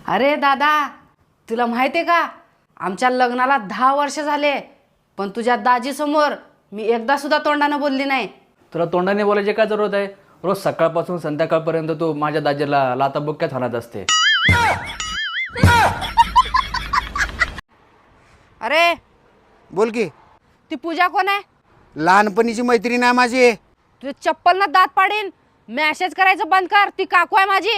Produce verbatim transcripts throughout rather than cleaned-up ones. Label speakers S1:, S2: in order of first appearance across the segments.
S1: अरे दादा, तुला माहिती आहे का, आमच्या लग्नाला दहा वर्ष झाले, पण तुझ्या दाजीसमोर मी एकदा सुद्धा तोंडानं बोलली नाही.
S2: तुला तोंडाने बोलायची काय जरूरत आहे? रोज सकाळपासून संध्याकाळपर्यंत तू माझ्या दाजीला लाताबुक्क्यात हाणत असते.
S1: अरे
S3: बोल की.
S1: ती पूजा कोण आहे?
S3: लहानपणीची मैत्रीण आहे माझी.
S1: तुझे चप्पल ना दात पाडीन. मॅसेज करायचं बंद कर, ती काकू आहे माझी.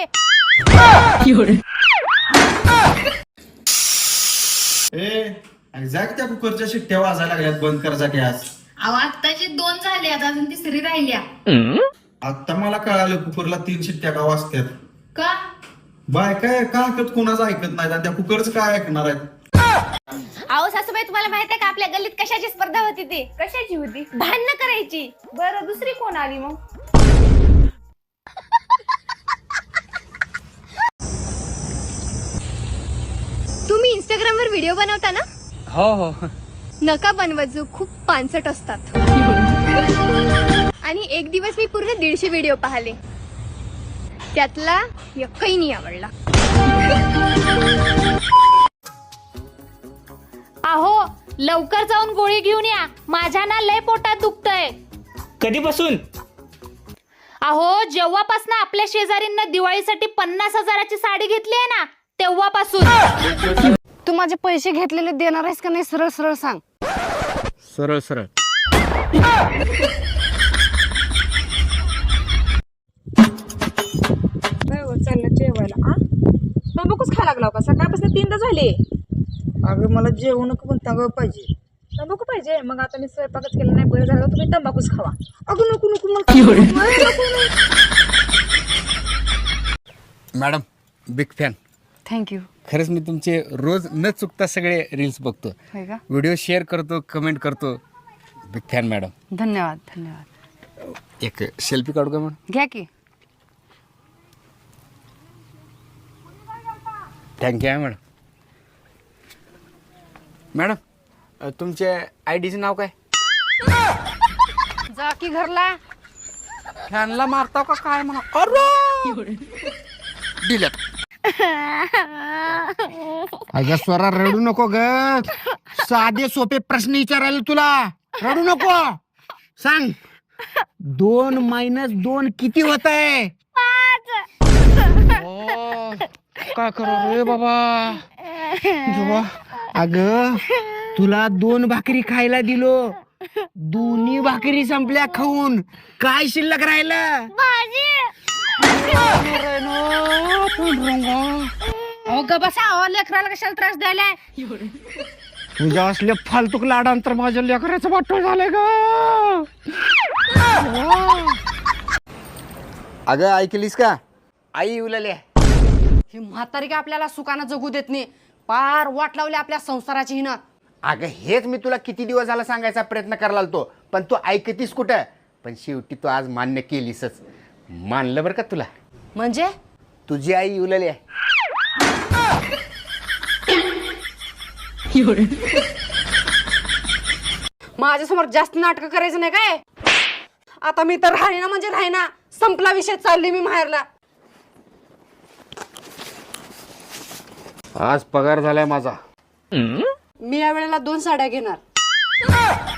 S4: ए जा की त्या कुकरच्या शिट्ट्या वाजायला लागल्यात, बंद कर जा गॅस.
S5: अहो आत्ताची दोन झाली, आता अजून तिसरी राहिल्या.
S4: आता मला कळालं कुकरला तीन शिट्ट्या का वाजतात.
S5: का?
S4: बाय काय का ऐकत कोणाचं ऐकत नाही, आणि त्या कुकरचं काय ऐकणार आहेत.
S5: अहो सासूबाई, तुम्हाला माहित आहे का आपल्या गल्लीत कशाची स्पर्धा होती? ती कशाची होती? भांडणं करायची. बरं, दुसरी कोण आली मग?
S6: तुम्ही इंस्टाग्राम वर व्हिडिओ बनवता ना?
S2: हो हो.
S6: नका बनवत, खूप पानसट असतात. आणि एक दिवस मी पूर्ण दीडशे व्हिडिओ पाहिले, त्यातला एकही नाही आवडला.
S7: अहो लवकर जाऊन गोळी घेऊन या, माझ्या ना लय पोटात दुखतंय.
S8: कधीपासून?
S7: अहो जेव्हापासून आपल्या शेजारींना दिवाळीसाठी पन्नास हजाराची साडी घेतली आहे ना, तेव्हापासून.
S1: तू माझे पैसे घेतलेले देणार आहेस का नाही? सरळ सरळ सांग.
S2: सरळ सरळ.
S9: चाललं जेवायला. आ तंबाखूच खायला लागला का? सकाळपासून तीनदा झाले.
S3: अगं मला जेवण पण तंबाखू पाहिजे.
S9: तंबाखू पाहिजे? मग आता मी स्वयंपाकच केला नाही, बरं झालं तुम्ही तंबाखूच खावा. अगं नको नको मला.
S3: Madam big fan.
S1: थँक्यू.
S3: खरंच मी तुमचे रोज न चुकता सगळे रील्स बघतो,
S1: होय का?
S3: व्हिडिओ शेअर करतो, कमेंट करतो. Big fan madam.
S1: धन्यवाद धन्यवाद.
S3: एक सेल्फी काढू का मॅडम?
S1: घ्या की.
S3: थँक्यू आहे मॅडम. मॅडम तुमच्या आय डीचं नाव काय?
S1: जा की घरला.
S3: फॅनला मारताव का काय म्हणा? अरे डिलेट. अगं स्वरा रडू नको ग. साधे सोपे प्रश्न विचारायला तुला. रडू नको. सांग, दोन मायनस दोन किती होत आहे? काय करू रे बाबा. अग तुला दोन भाकरी खायला दिलो, दोन्ही भाकरी संपल्या खाऊन. काय शिल्लक राहिलं?
S1: अहो ग बसा. अहो लेकराला कशाला त्रास द्यायलाय?
S3: तुझ्या असले फालतूक लाडांतर माझ्या लेकराचं वाटोळ झालंय ग. अगं ऐकलीस का? आई उलाल्या.
S1: ही म्हातारी का आपल्याला सुखानं जगू देत नाही. पार वाट लावली आपल्या संसाराची हिनं.
S3: अगं हेच मी तुला किती दिवस झाला सांगायचा प्रयत्न करायला लागतो, पण तू ऐकतीस कुठं. पण शेवटी तू आज मान्य केलीसच. मानलं बरं का तुला.
S1: म्हणजे
S3: तुझी आई उलाली आहे.
S1: माझ्यासमोर जास्त नाटक करायचं नाही काय? आता मी तर राहीना म्हणजे राहीना. संपला विषय. चालली मी माहेरला.
S3: आज पगार झालाय माझा.
S1: मी या वेळेला दोन साड्या घेणार.